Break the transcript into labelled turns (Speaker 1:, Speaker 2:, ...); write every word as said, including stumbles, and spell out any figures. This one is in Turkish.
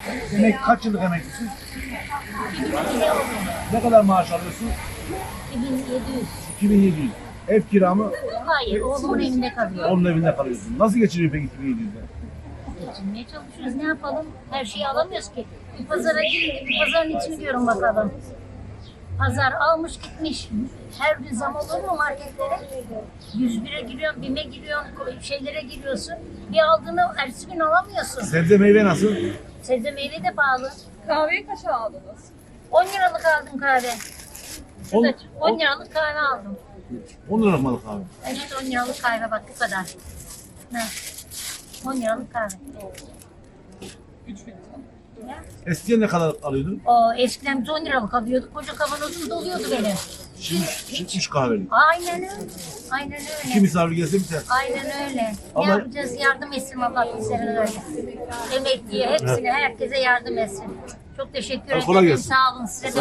Speaker 1: Emek, kaç yıllık emeklisin? Ne kadar maaş alıyorsun?
Speaker 2: iki bin yedi yüz.
Speaker 1: iki bin yedi yüz. Ev kira mı?
Speaker 2: Hayır, oğlumun evinde kalıyor.
Speaker 1: Onun evinde kalıyorsun. Nasıl geçiniyor peki iki bin yedi yüz'den?
Speaker 2: Geçinmeye çalışıyoruz. Ne yapalım? Her şeyi alamıyoruz ki. Bir pazara girin, bir pazarın içini diyorum bakalım. Pazar almış gitmiş. Her gün zam olur mu marketlere? yüz bire giriyorsun, bime giriyorsun, şeylere giriyorsun. Bir aldığını ertesi gün alamıyorsun.
Speaker 1: Sebze meyve nasıl?
Speaker 2: Sebze meyve de pahalı.
Speaker 3: Kahveyi kaça aldınız?
Speaker 2: on liralık aldım kahve.
Speaker 1: On-
Speaker 2: Şurada on liralık kahve aldım.
Speaker 1: on liralık malık abi.
Speaker 2: Ben işte on liralık kahve bak bu kadar. Ne? on liralık kahve.
Speaker 3: üç fincan.
Speaker 2: Ya.
Speaker 1: Eskiden ne kadar alıyordun?
Speaker 2: O eskiden biz on liralık alıyorduk. Koca kavanozum doluyordu benim.
Speaker 1: Şimdi, şimdi üç kahvelik.
Speaker 2: Aynen öyle. Aynen
Speaker 1: İki
Speaker 2: öyle.
Speaker 1: misafir gelse biter.
Speaker 2: Aynen öyle.
Speaker 1: Ama-
Speaker 2: Ne yapacağız? Yardım etsin Allah bizlere öyle. Emekliye, hepsine, herkese yardım etsin. Çok teşekkür
Speaker 1: Ha, kolay
Speaker 2: ederim.
Speaker 1: gelsin.
Speaker 2: Sağ olun. Size de